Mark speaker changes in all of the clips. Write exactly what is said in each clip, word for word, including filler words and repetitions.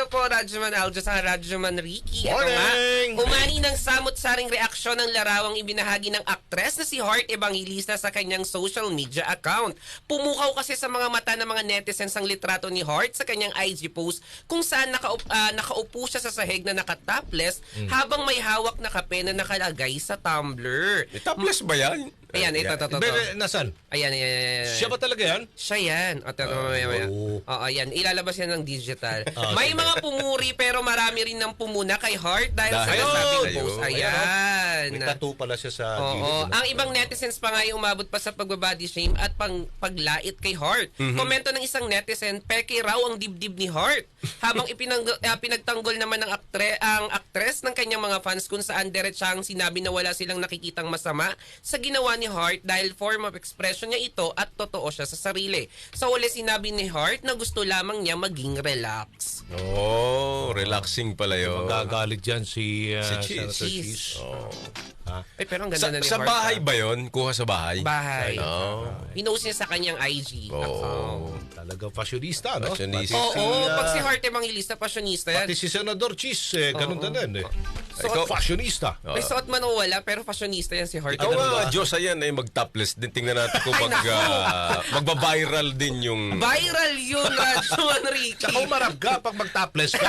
Speaker 1: Hello po, Radyoman Aljo sa Radyoman Ricky. Ito
Speaker 2: Morning!
Speaker 1: nga, umani ng samot-saring reaksyon ng larawang ibinahagi ng aktres na si Heart Evangelista sa kanyang social media account. Pumukaw kasi sa mga mata ng mga netizens ang litrato ni Heart sa kanyang I G post kung saan nakaup, uh, nakaupo siya sa sahig na nakatopless mm. habang may hawak na kape na nakalagay sa tumbler.
Speaker 2: E, topless ba yan?
Speaker 1: Ayan, ito, ito, ito.
Speaker 3: Pero, nasan?
Speaker 1: Ayan, ayan, ayan.
Speaker 3: Siya ba talaga yan?
Speaker 1: Siya yan. O, ito, maya, maya.
Speaker 3: Oh.
Speaker 1: Oo, ayan. Ilalabas yan ng digital.
Speaker 3: Oh,
Speaker 1: may
Speaker 3: sige.
Speaker 1: mga pumuri pero marami rin ng pumuna kay Heart dahil,
Speaker 2: Dahil
Speaker 1: sa nasabing
Speaker 2: ayun.
Speaker 1: post.
Speaker 2: Ayun.
Speaker 1: Ayan.
Speaker 3: May tattoo pala siya sa
Speaker 1: Oo.
Speaker 3: gilid.
Speaker 1: Ang ibang netizens pa nga yung umabot pa sa pagbabody shame at pang paglait kay Heart.
Speaker 2: Mm-hmm.
Speaker 1: Komento ng isang netizen, peke raw ang dibdib ni Heart. Habang ipinang, uh, pinagtanggol naman ng aktre, ang aktres ng kanyang mga fans kung saan diretsang sinabi na wala silang nakikitang masama sa ginawa ni Heart dahil form of expression niya ito at totoo siya sa sarili. Sa uli sinabi ni Heart na gusto lamang niya maging relax.
Speaker 2: Oh, relaxing pala yun.
Speaker 3: Magagalit dyan si, uh,
Speaker 2: Si Cheese.
Speaker 3: Senator
Speaker 1: Cheese.
Speaker 3: Cheese.
Speaker 2: Oh.
Speaker 3: Ha?
Speaker 1: Ay, pero ang ganda
Speaker 2: Sa,
Speaker 1: na ni
Speaker 2: sa
Speaker 1: Heart.
Speaker 2: bahay
Speaker 1: ah.
Speaker 2: ba yun? Kuha sa bahay?
Speaker 1: Bahay.
Speaker 2: Oh.
Speaker 1: Pinost niya sa kanyang I G
Speaker 2: Oh.
Speaker 1: account.
Speaker 3: Talagang fashionista, no?
Speaker 2: Fashionista.
Speaker 1: Oo,
Speaker 3: Pati si, uh,
Speaker 1: pag si Heart Evangelista, pasyonista yan.
Speaker 3: Pati si Senador Cheese, eh, ganun
Speaker 1: Oo.
Speaker 3: din eh.
Speaker 1: So,
Speaker 2: Ikaw-
Speaker 3: Fashionista.
Speaker 1: may suot man o wala, pero fashionista yan si Heart.
Speaker 2: Ikaw
Speaker 1: Ganun
Speaker 2: nga,
Speaker 1: ba?
Speaker 2: Diyos, ayan, ay mag-topless din. Tingnan natin kung
Speaker 1: Ay,
Speaker 2: mag,
Speaker 1: naku.
Speaker 2: ah, magba-viral din yung...
Speaker 1: Viral yun, Radyo Enrique.
Speaker 3: Tsaka umarap ka pag mag-topless ka.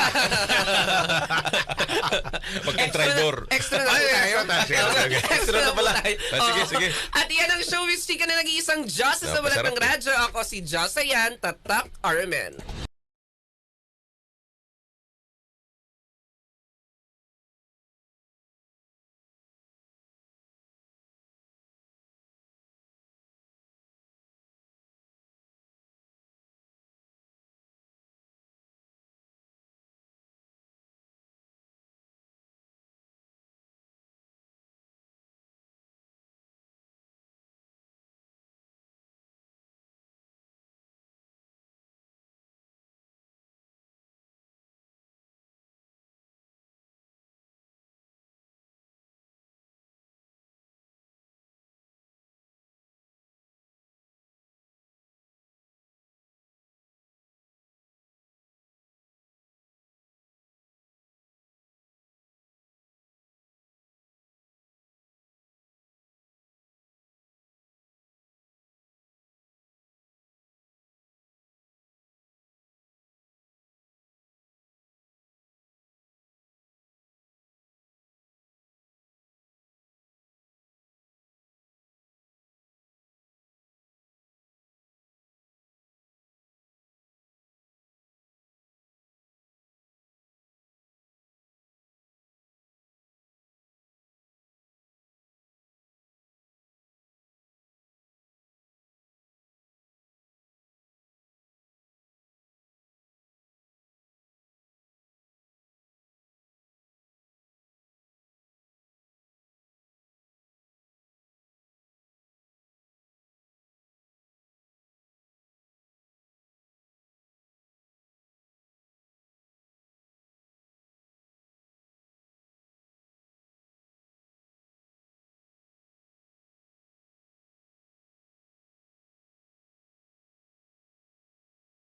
Speaker 2: Magka-tribor.
Speaker 1: Extra na po
Speaker 3: Ay,
Speaker 1: tayo.
Speaker 3: extra tayo.
Speaker 2: Okay, okay. Extra na
Speaker 1: po
Speaker 2: pala.
Speaker 1: tayo.
Speaker 2: Ah, sige,
Speaker 1: Oo.
Speaker 2: sige.
Speaker 1: At yan ang showbiz chika na nag-iisang Diyos sa balat
Speaker 2: Napasarap
Speaker 1: ng radyo. Ako si Diyos, ayan, Tatak Armen.